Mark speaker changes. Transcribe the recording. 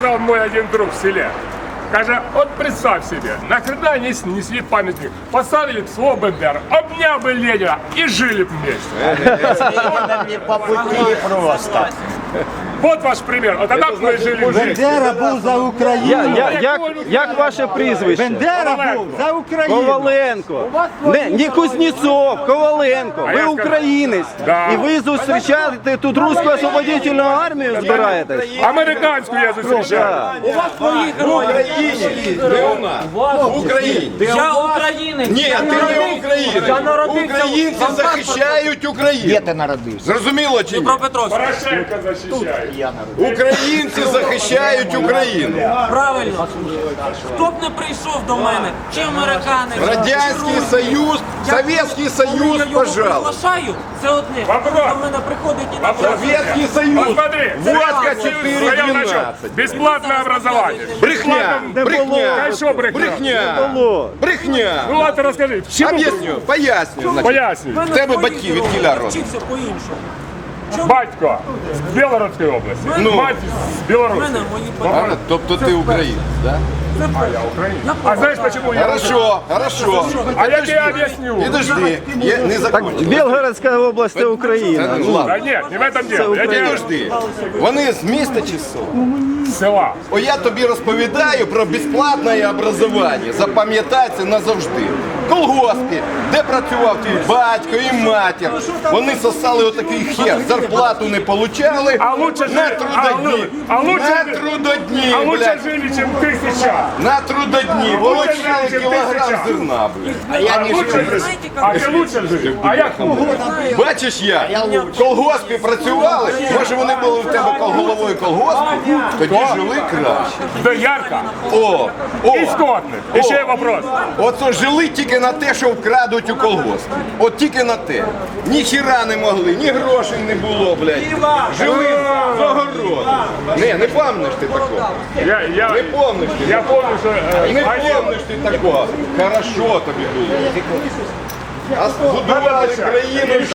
Speaker 1: Сказал мой один друг в селе. Каже, вот представь себе, нахрена не снесли памятник, поставили бы слово БНДР, обнял бы Ленина и жили бы вместе.
Speaker 2: По пути просто.
Speaker 1: Вот ваш пример. Вот тогда бы мы жили вместе.
Speaker 2: Бендера був за Україну.
Speaker 3: Як ваше прізвище?
Speaker 2: Бендера був за Україну.
Speaker 3: Коваленко. Не Кузнєцов, Коваленко.
Speaker 1: А
Speaker 3: Ви
Speaker 1: я
Speaker 3: українець.
Speaker 1: Да.
Speaker 3: І ви зустрічаєте тут руську освободительну армію збираєтесь?
Speaker 1: Американскую я зустрічаю.
Speaker 4: У вас свої герої.
Speaker 5: Не у нас. В Україні.
Speaker 4: Я українець.
Speaker 5: Ні, ти не українець.
Speaker 4: Я народився
Speaker 5: Українці
Speaker 4: в
Speaker 5: захищають Україну.
Speaker 2: Де ти народився?
Speaker 5: Зрозуміло чи ні?
Speaker 4: Дніпропетровськ.
Speaker 1: Порошенко защищает.
Speaker 2: Я народився.
Speaker 5: Українці захищають Україну.
Speaker 4: Правильно. Хто б не прийшов до мене, чи американець,
Speaker 5: Радянський
Speaker 4: чи
Speaker 5: Союз, Совєтський Союз,
Speaker 4: коли я його
Speaker 5: пожалуйста.
Speaker 4: приглашаю, це одне.
Speaker 1: Вопрос.
Speaker 4: До мене приходить і на
Speaker 5: Совєтський Союз.
Speaker 1: Посмотри,
Speaker 5: Водка
Speaker 1: своем начале.
Speaker 5: 4,12.
Speaker 1: Бесплатное образование.
Speaker 5: Брехня, брехня,
Speaker 1: А что брехня?
Speaker 5: брехня,
Speaker 3: Було.
Speaker 5: брехня.
Speaker 1: Ну ладно, расскажи, в чему?
Speaker 5: Об'ясню, поясню. значить.
Speaker 1: Поясни.
Speaker 5: В тебе батьки від кіля родом?
Speaker 4: вчився по-іншому.
Speaker 1: Батько з Білоруської області,
Speaker 5: Ну.
Speaker 1: мать з
Speaker 4: У
Speaker 1: Білорусі.
Speaker 4: мене мої
Speaker 5: А,
Speaker 4: батьки.
Speaker 5: тобто ти українець, так?
Speaker 1: А знаешь почему я?
Speaker 5: Хорошо, хорошо.
Speaker 1: А я тебе объясню.
Speaker 5: Підожди, я не закончив.
Speaker 3: Білгородська область це Україна.
Speaker 5: Ну ладно.
Speaker 1: Да нет, не в этом дело. Я тебе
Speaker 5: Підожди. Вони з міста чи з села?
Speaker 1: с села.
Speaker 5: О, я тобі розповідаю про безплатне образування. Запам'ятай це назавжди. В колгоспі, де працював твій батько і матір, вони сосали отакий хер, зарплату не получали
Speaker 1: А лучше
Speaker 5: на
Speaker 1: жили-
Speaker 5: трудодні.
Speaker 1: а лучше
Speaker 5: На
Speaker 1: жили-
Speaker 5: трудодні,
Speaker 1: А лучше
Speaker 5: блядь.
Speaker 1: жили, чем ты сейчас.
Speaker 5: На трудодні получали
Speaker 1: жили, чим
Speaker 5: кілограм
Speaker 1: тисяча.
Speaker 5: зерна, блядь.
Speaker 1: А лучше жили. А ты лучше жили. А я хуже.
Speaker 5: Бачиш як? В колгоспі працювали, може вони були в тебе головою колгоспу, тоді жили краще.
Speaker 1: Да ярко.
Speaker 5: О,
Speaker 1: И скотный. Еще вопрос.
Speaker 5: Оце жили тільки на те, що вкрадуть у колгоспі. От тільки на те. Ні хіра не могли, ні грошей не було, блядь. Жили з огороду. Не пам'ятаєш ти такого. Не помниш ти.
Speaker 1: Я помню, что
Speaker 5: Не помниш ти такого. Хорошо тобі було. А збудували країну.